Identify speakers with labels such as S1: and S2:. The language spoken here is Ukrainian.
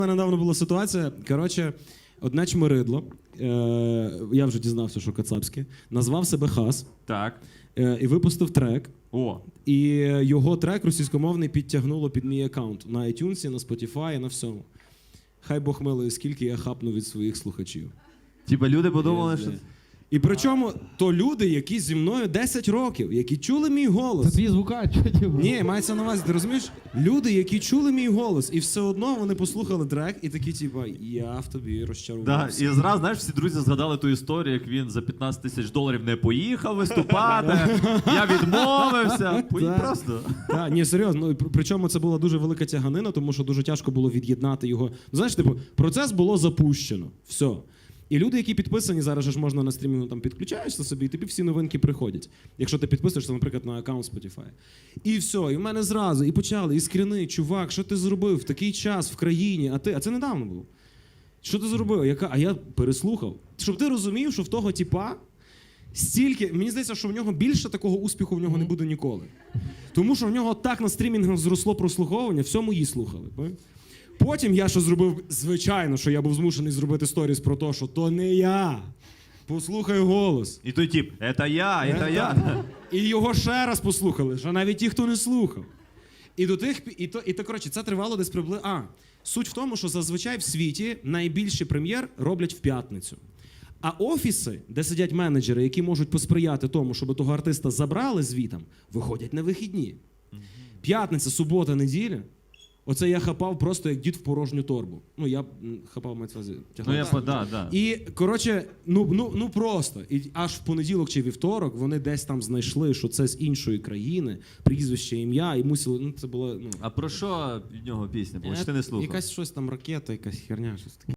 S1: У мене недавно була ситуація, коротше, одне чмиридло, я вже дізнався, що кацапське, назвав себе Хас
S2: Так.
S1: і випустив трек.
S2: О.
S1: І його трек російськомовний підтягнуло під мій аккаунт на iTunes, на Spotify, на всьому. Хай Бог милує, скільки я хапну від своїх слухачів.
S2: Типа люди подумали, що...
S1: І причому то люди, які зі мною 10 років, які чули мій голос.
S3: Це твій звукач, що ти?
S1: Ні, мається на увазі, ти розумієш? Люди, які чули мій голос, і все одно вони послухали трек і такі, типа, я в тобі
S2: Да,
S1: розчарувався.
S2: і зразу, знаєш, всі друзі згадали ту історію, як він за 15 тисяч доларів не поїхав виступати, я відмовився. Просто.
S1: Так, ні, серйозно. Ну, причому це була дуже велика тяганина, тому що дуже тяжко було від'єднати його. Знаєш, типу, процес було запущено. Все. І люди, які підписані, зараз же ж можна на стрімінгу там підключаєшся собі, і тобі всі новинки приходять. Якщо ти підписуєшся, наприклад, на аккаунт Spotify. І все, і в мене зразу, і почали, і скріни, чувак, що ти зробив в такий час в країні, а це недавно було. Що ти зробив? А я переслухав. Щоб ти розумів, що в того типа стільки, мені здається, що в нього більше такого успіху в нього не буде ніколи. Тому що в нього так на стрімінгах зросло прослуховування, все мої слухали. Потім я що зробив, звичайно, що я був змушений зробити сторіс про те, що то не я. Послухай голос.
S2: І той тип, це я.
S1: І його ще раз послухали, що навіть ті, хто не слухав. І до тих, коротше, це тривало десь приблизно. Суть в тому, що зазвичай в світі найбільші прем'єр роблять в п'ятницю. А офіси, де сидять менеджери, які можуть посприяти тому, щоб того артиста забрали звітам, виходять на вихідні. П'ятниця, субота, неділя. Оце я хапав просто як дід в порожню торбу. Ну, я хапав, мається на увазі, тягнув.
S2: Да.
S1: І, коротше, ну просто. І аж в понеділок чи вівторок вони десь там знайшли, що це з іншої країни, прізвище, ім'я, і мусили, це було,
S2: А про що від нього пісня була? Чи ти не слухав?
S1: Якась щось там ракета, якась херня, щось таке.